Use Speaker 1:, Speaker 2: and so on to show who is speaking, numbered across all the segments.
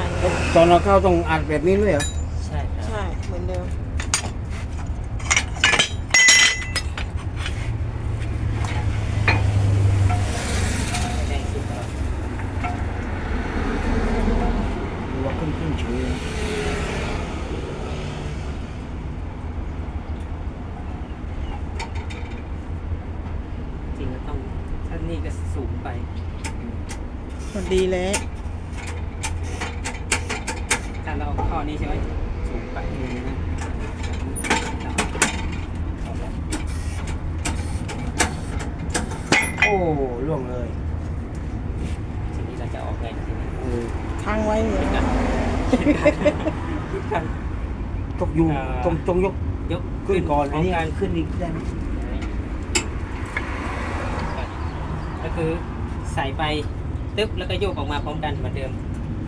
Speaker 1: อะไรไง
Speaker 2: ตอนเราเข้าต้องอัดแบบนี้ด้วยเหรอ
Speaker 3: ใช่ครับ
Speaker 1: ใช่เหมือนเดิม
Speaker 3: แดงสุดแล้ว
Speaker 2: ดูว่าขึ้นเฉย
Speaker 3: จริงก็ต้องถ้านี่ก็สูงไป
Speaker 1: พอดีแล้ว
Speaker 3: ถ้าเราเอาข้อนี้ใช่ไหมสูงไปนะ
Speaker 2: โอ้ล่วงเลย
Speaker 3: ทีนี้เราจะออกไงทีนี้
Speaker 1: ค้างไว้เนี่ย
Speaker 2: ตกอยู่ตรงยก
Speaker 3: ยก
Speaker 2: ขึ้นก่อนอันนี้
Speaker 3: การ
Speaker 2: ขึ้นอีกได้ไหม
Speaker 3: ก็คือใส่ไปตึ๊บแล้วก็โยกออกมาพร้อมกันเหมือนเดิม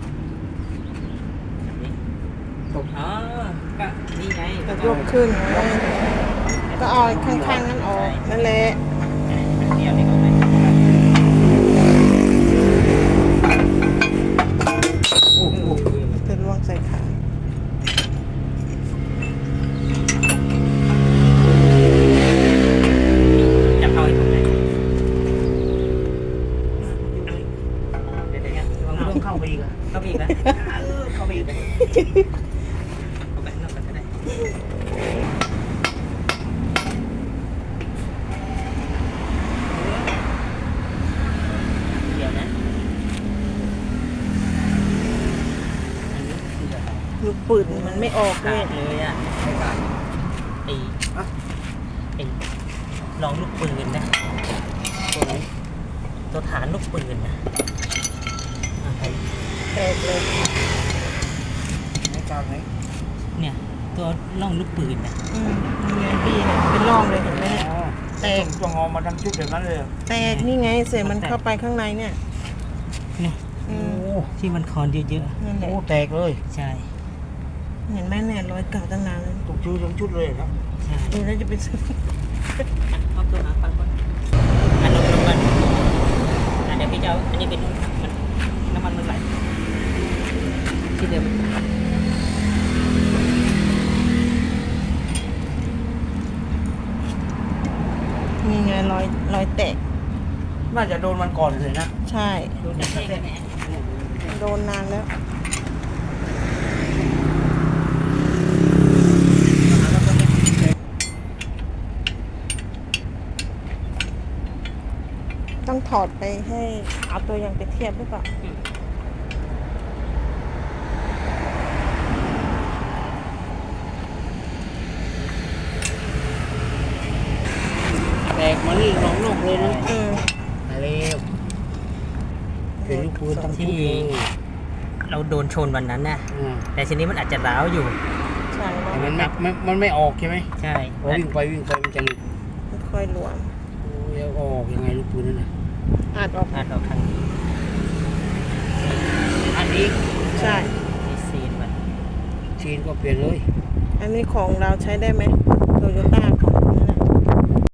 Speaker 3: แบบนี้
Speaker 2: ตก
Speaker 3: อ๋อก็นี่ไง
Speaker 1: จะยกขึ้นไงก็เอาข้างๆนั้นออกนั่นแหละ
Speaker 3: เดียวนี่ก็ไม่
Speaker 2: โอ้โห
Speaker 1: จะล่วงใส่ขา
Speaker 3: จะเข้าให้ตรงไหนเดี๋ยวๆระวัง
Speaker 2: ต้
Speaker 3: ร่
Speaker 2: อ
Speaker 3: ว
Speaker 2: ง
Speaker 3: ง
Speaker 2: เข้าไปอีกอะ
Speaker 3: เข้าไปอีกนะเข้าไปอีกนะเอาไปข้างนอกกันก็ได้เดี๋ยวนะอันนี้คืออะไร
Speaker 1: ลูกปืนมันไม่ออกเล
Speaker 3: ขาย ดเลยอ่ะไอ้ไอ้ลองลูกปืนนะตัวไหนตัวฐานลูกปืนนะอ่ะ
Speaker 1: แตกเลย
Speaker 2: ไม่กลางไหน
Speaker 3: เนี่ยตัวล่องลูกปืนนะ
Speaker 1: นี่ไงพี่เนี่ยเป็นร่องเลยเห็นไหมเนี่ย
Speaker 2: อ๋อ
Speaker 1: แตก
Speaker 2: ต้องงอมาทั้งชุดแบบนั้นเลยเหรอ
Speaker 1: แตกนี่ไงเสียมันเข้าไปข้างในเนี่ย
Speaker 3: เนี่ย
Speaker 1: อื
Speaker 2: โอ้
Speaker 1: ม
Speaker 3: ที่มันคอนเยอะ
Speaker 1: นั่นแหละ
Speaker 2: โหแตกเลย
Speaker 3: ๆใช่
Speaker 1: เห็นไหมเนี่ยรอยเก่าตั้งนานแล้ว
Speaker 2: ตกชุดทั้งชุดเลยครับ
Speaker 3: ใช่
Speaker 1: ดูแล้วจะไปซื้อ
Speaker 3: เอาตัวหาฟังก่อนอันลงกันเดี๋ยวพี่จะเอาอันนี้เป็นมันน้ำมันไหลที่เดิม
Speaker 1: นี่ไงรอยแตก
Speaker 2: น่าจะโดนมันก่อนเลยนะ
Speaker 1: ใช่
Speaker 3: ดูแต่แค่นี้
Speaker 1: โดนนานแล้ว ต้องถอดไปให้เอาตัวอย่างไปเทียบหรือเปล่า
Speaker 2: แตกมานี่น้องนอกเลยนะ
Speaker 1: อืม
Speaker 2: มาเร็วเป็นลูกปืนทั้งชุดเลย
Speaker 3: เราโดนชนวันนั้นนะ
Speaker 2: อ่า
Speaker 3: แต่ทีนี้มันอาจจะร้าวอยู่
Speaker 1: ใช่
Speaker 2: แต่
Speaker 1: แล้ว
Speaker 2: มันไม่ออกใช่ไหม
Speaker 3: ใช่
Speaker 2: พอวิ่งไปมันจะหลุด
Speaker 1: ค่อยหลวม
Speaker 2: โอ้ยแล้วออกยังไงลูกปืนนั่นน่ะ
Speaker 1: อาจออก
Speaker 3: อาจออกทางนี้
Speaker 2: อันนี้
Speaker 1: ใช่
Speaker 3: ที่ซีนมัน
Speaker 2: ชีนก็เปลี่ยนเลย
Speaker 1: อันนี้ของเราใช้ได้ไหม